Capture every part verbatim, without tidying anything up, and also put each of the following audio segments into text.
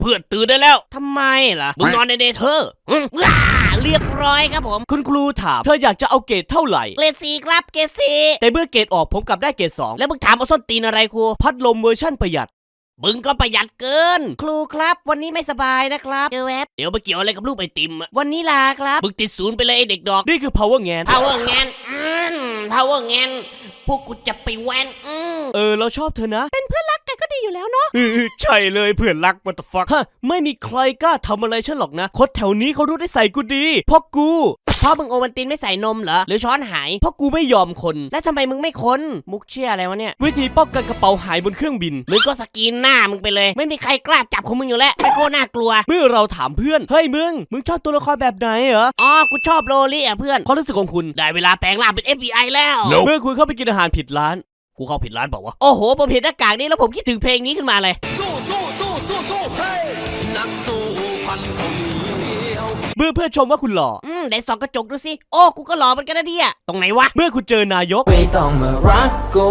เพื่อนตื่นได้แล้วทำไมล่ะมึงนอนในเนเธอร์ว้าเรียบร้อยครับผมคุณครูถามเธออยากจะเอาเกรดเท่าไหร่เกรดสี่ครับเกรดสี่แต่เมื่อเกรดออกผมกลับได้เกรดสองแล้วมึงถามเอาส้นตีนอะไรครูพัดลมเวอร์ชั่นประหยัดมึงก็ประหยัดเกินครูครับวันนี้ไม่สบายนะครับเดี๋ยวแวบเดี๋ยวมาเกี่ยวอะไรกับลูกไอติมวันนี้ลาครับมึงติดศูนย์ไปเลยไอเด็กดอกนี่คือ power แงน power แงนอืม power แงนพวกกูจะไปแวนอืมเออเราชอบเธอนะเป็นเพื่อนรักกันก็ดีอยู่แล้วเนาะใช่เลยเพื่อนรัก what the fuck ฮะไม่มีใครกล้าทำอะไรฉันหรอกนะคนแถวนี้เขารู้ได้ใส่กูดีเพราะกูพ่อมึงโอวันตินไม่ใส่นมเหรอหรือช้อนหายเพราะกูไม่ยอมคนแล้วทำไมมึงไม่คนมุกเชี่ยอะไรวะเนี่ยวิธีป้องกันกระเป๋าหายบนเครื่องบินมึงก็สกรีนหน้ามึงไปเลยไม่มีใครกล้าจับของมึงอยู่แล้วไม่โคตรน่ากลัวเมื่อเราถามเพื่อนเฮ้ยมึงมึงชอบตัวละครแบบไหนเหรออ๋อกูชอบโรลี่อ่ะเพื่อนความรู้สึกของคุณได้เวลาแปลงร่างเป็น เอฟ บี ไอ แล้ว เมื่อคุณเข้าไปกินอาหารผิดร้านกูเข้าผิดร้านบอกว่าโอ้โหผมเห็นหน้ากากนี้แล้วผมคิดถึงเพลงนี้ขึ้นมาเลยสู้สู้สู้สู้สู้เฮ้ยนักสู้พันคนเมื่อเพื่อนชมว่าคุณหล่ออืมได้ส่องกระจกดูสิโอ้กูก็หล่อเหมือนกันนะเนี่ยตรงไหนวะเมื่อคุณเจอนายกไม่ต้องมารักกู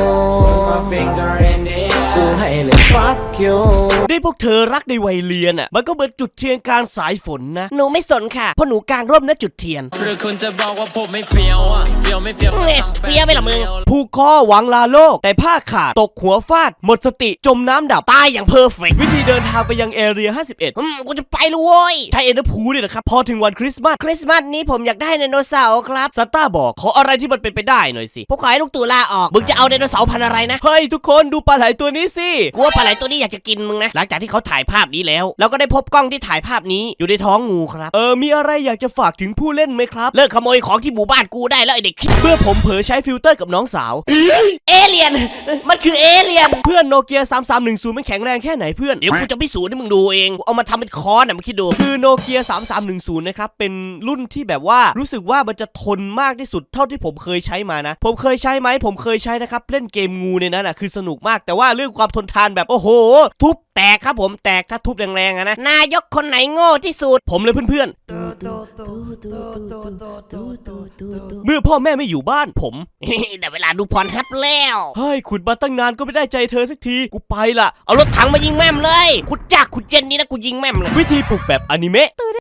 กูให้เลยฟักคิวได้พวกเธอรักในวัยเรียนอ่ะมันก็เหมือนจุดเทียนกลางสายฝนนะหนูไม่สนค่ะเพราะหนูกลางร่มนะจุดเทียนหรือคุณจะบอกว่าผมไม่เฟี้ยวอ่ะเฟี้ยวไม่เฟี้ยวเนี่ยเฟี้ยวไปหรอมึงผูกคอหวังลาโลกแต่ผ้าขาดตกหัวฟาดหมดสติจมน้ำดับตายอย่างเพอร์เฟกต์วิธีเดินทางไปยังแอเรียห้าสิบเอ็ดอืมกูจะไปเลยโว้ยไทยเอ็นเตอร์พูลเนี่ยนะครับพอถึงวันคริสต์มาสคริสต์มาสนี้ผมอยากได้ไดโนเสาร์ครับซานต้าบอกขออะไรที่มันเป็นไปได้หน่อยสิพวกขอให้ลูกตู่ลาออกมึงจะเอาไดโนเสาร์พันอะไรนะเฮ้ยทุกคนดูปลาไหลตัวนี้สิกูว่าปลาไหลตัวนี้อยากจะกินมึงนะหลังจากที่เขาถ่ายภาพนี้แล้วเราก็ได้พบกล้องที่ถ่ายภาพนี้อยู่ในท้องงูครับเออมีอะไรอยากจะฝากถึงผู้เล่นไหมครับเลิกขโมยของที่หมู่บ้านกูได้แล้วไอเด็กเมื่อผมเผลอใช้ฟิลเตอร์กับน้องสาวเอเลี่ยนมันคือเอเลี่ยนเพื่อนโนเกียสามสามหนึ่งศูนย์มันแข็งแรงแค่ไหนเพื่อนเดี๋ยวกูจะพิสูจน์ให้มึงดูเองเอามาทำเป็นค้อนนะมึงคิดดูคือโนเกียสามสามหนึ่งศูนย์นะครับเป็นรุ่นที่แบบว่ารู้สึกว่ามันจะทนมากที่สุดเท่าที่ผมเคยใช้มานะผมเคยใช้ไหมผมเคยใช้นะครับเล่นเกมงูเนี่ยนะน่ะคือสนุกมากแต่ว่าเรื่องความทนทานแบบโอ้โหทุบแตกครับผมแตกถ้าทุบแรงๆนะนายกคนไหนโง่ที่สุดผมเลยเพื่อนๆเมื่อพ่อแม่ไม่อยู่บ้านผมได้เวลาดูพรฮับแล้วเฮ้ยขุดมาตั้งนานก็ไม่ได้ใจเธอสักทีกูไปละเอารถถังมายิงแม่มเลยขุดจากขุดเย็นนี้นะกูยิงแม่มเลยวิธีปลุกแบบอนิเมะ